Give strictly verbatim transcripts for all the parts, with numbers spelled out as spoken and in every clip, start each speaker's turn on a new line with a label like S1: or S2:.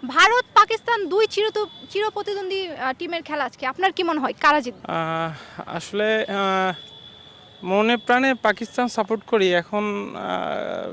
S1: ভারত পাকিস্তান দুই চির চিরপ্রতিদ্বন্দ্বী আহ, টিমের খেলা আজকে আপনার কি মনে হয় কারা জিতবে?
S2: আহ, আসলে আহ, মনে প্রাণে পাকিস্তান সাপোর্ট করি এখন। আহ,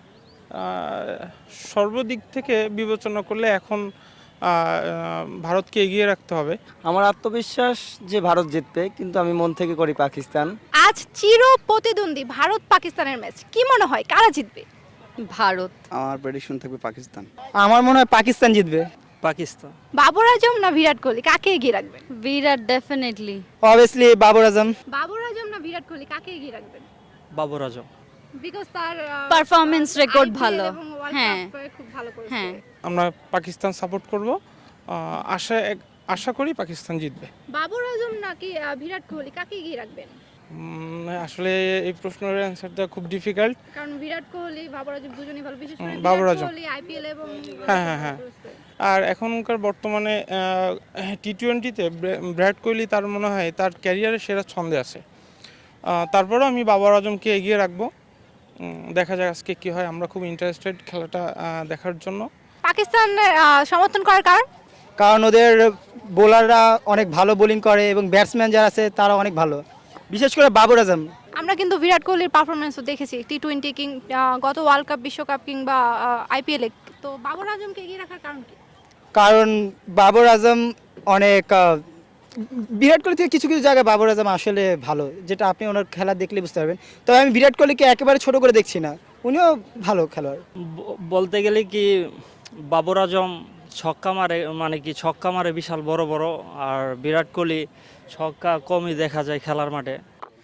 S2: আহ, সর্বদিক থেকে বিবেচনা করলে এখন আহ, আহ, ভারতকে এগিয়ে রাখতে হবে।
S3: আমার আত্মবিশ্বাস যে ভারত জিতবে, কিন্তু আমি মন থেকে করি পাকিস্তান।
S1: আজ চিরপ্রতিদ্বন্দ্বী ভারত পাকিস্তানের ম্যাচ কি মনে হয় কারা জিতবে?
S4: ভারত।
S5: আমার প্রেডিকশন থাকবে পাকিস্তান।
S3: আমার মনে হয় পাকিস্তান জিতবে।
S6: পাকিস্তান।
S1: বাবর আজম না বিরাট কোহলি কাকে এগিয়ে রাখবেন?
S4: বিরাট ডেফিনেটলি।
S3: অবভিয়াসলি বাবর আজম।
S1: বাবর আজম না বিরাট কোহলি কাকে এগিয়ে রাখবেন?
S6: বাবর আজম।
S1: বিকজ তার
S4: Performance record ভালো।
S1: হ্যাঁ
S4: হ্যাঁ।
S1: খুব ভালো করেছে।
S4: হ্যাঁ।
S2: আমরা পাকিস্তান সাপোর্ট করব। আহ, আশা এক- আশা করি পাকিস্তান জিতবে।
S1: বাবর আজম নাকি আহ, বিরাট কোহলি কাকে এগিয়ে রাখবেন?
S2: উম, আসলে এই প্রশ্নের অ্যান্সারটা খুব ডিফিকাল্ট।
S1: কারণ বিরাট কোহলি বাবর আজম দুজনেই ভালো, বিশেষ করে
S2: হুম, বাবর
S1: বিরাট
S2: আজম।
S1: কোহলি আইপিএল এবং
S2: হ্যাঁ, হ্যাঁ, হ্যাঁ। আর এখনকার বর্তমানে টি টোয়েন্টিতে বিরাট কোহলি তার মনে হয় তার ক্যারিয়ারের সেরা ছন্দে আছে। আহ, তারপরেও আমি বাবর আজমকে এগিয়ে রাখবো। উম, দেখা যাক আজকে কি হয়, আমরা খুব ইন্টারেস্টেড খেলাটা আহ, দেখার জন্য।
S1: পাকিস্তান সমর্থন করার কারণ?
S3: কারণ ওদের বোলাররা অনেক ভালো বোলিং করে এবং ব্যাটসম্যান যারা আছে তারা অনেক ভালো, বিশেষ করে বাবর আজম।
S1: আমরা কিন্তু বিরাট কোহলির পারফরমেন্সও দেখেছি টি টোয়েন্টি কিং আহ, গত ওয়ার্ল্ড কাপ বিশ্বকাপ কিংবা আইপিএলে। তো বাবর আজমকে এগিয়ে রাখার কারণ কি?
S3: কারণ বাবর আজম অনেক আহ, বিরাট কোহলি থেকে কিছু কিছু জায়গায় বাবর আজম আসলে ভালো, যেটা আপনি ওনার খেলা দেখলে বুঝতে পারবেন। তবে আমি বিরাট কোহলিকে একেবারে ছোট করে দেখছি না, উনিও ভালো খেলোয়াড়।
S6: ব- বলতে গেলে কি বাবর আজম ছক্কা মারে, মানে কি ছক্কা মারে বিশাল বড় বড়, আর বিরাট কোহলি ছক্কা কমই দেখা যায় খেলার মাঠে।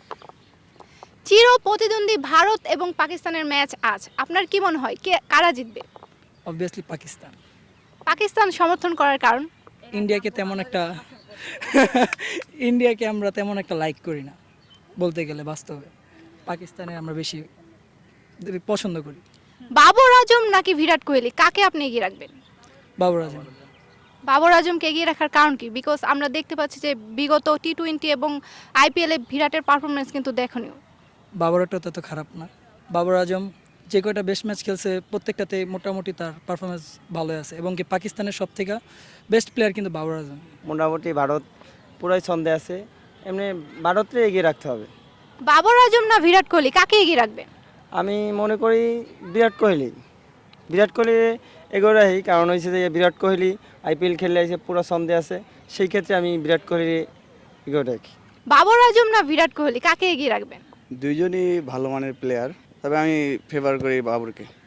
S1: চির প্রতিদ্বন্দ্বী ভারত এবং পাকিস্তানের ম্যাচ আজ, আপনার কি মনে হয় কে কারা জিতবে?
S7: অবভিয়াসলি পাকিস্তান।
S1: পাকিস্তান সমর্থন করার কারণ?
S7: ইন্ডিয়াকে তেমন একটা ইন্ডিয়াকে আমরা তেমন একটা লাইক করি না বলতে গেলে, বাস্তবে পাকিস্তানে আমরা বেশি পছন্দ করি।
S1: বাবর আজম নাকি বিরাট কোহলি কাকে আপনি এগিয়ে রাখবেন?
S7: বাবর আজম।
S1: বাবর আজমকে এগিয়ে রাখার কারণ কি? বিকজ আমরা দেখতে পাচ্ছি যে বিগত টি টোয়েন্টি এবং আইপিএলে বিরাটের পারফরমেন্স কিন্তু দেখনীয়।
S7: বাবরটা তত খারাপ না। বাবর আজম যে কয়টা বেস্ট ম্যাচ খেলছে প্রত্যেকটাতে মোটামুটি তার পারফরমেন্স ভালোই আছে, এবং কি পাকিস্তানের সব থেকে বেস্ট প্লেয়ার কিন্তু বাবর আজম।
S3: মোটামুটি ভারত পুরাই ছন্দে আছে, এমনি ভারতকে এগিয়ে রাখতে হবে।
S1: বাবর আজম না বিরাট কোহলি কাকে এগিয়ে রাখবেন?
S3: আমি মনে করি বিরাট কোহলি। বিরাট কোহলি এগোয় রাখি, কারণ হয়েছে যে বিরাট কোহলি আইপিএল খেলে এসে পুরো ছন্দে আছে, সেই ক্ষেত্রে আমি বিরাট কোহলি এগোয় রাখি।
S1: বাবর আজম না বিরাট কোহলি কাকে এগিয়ে রাখবেন?
S5: দুইজনই ভালো মানের প্লেয়ার, তবে আমি ফেভার করি বাবরকে।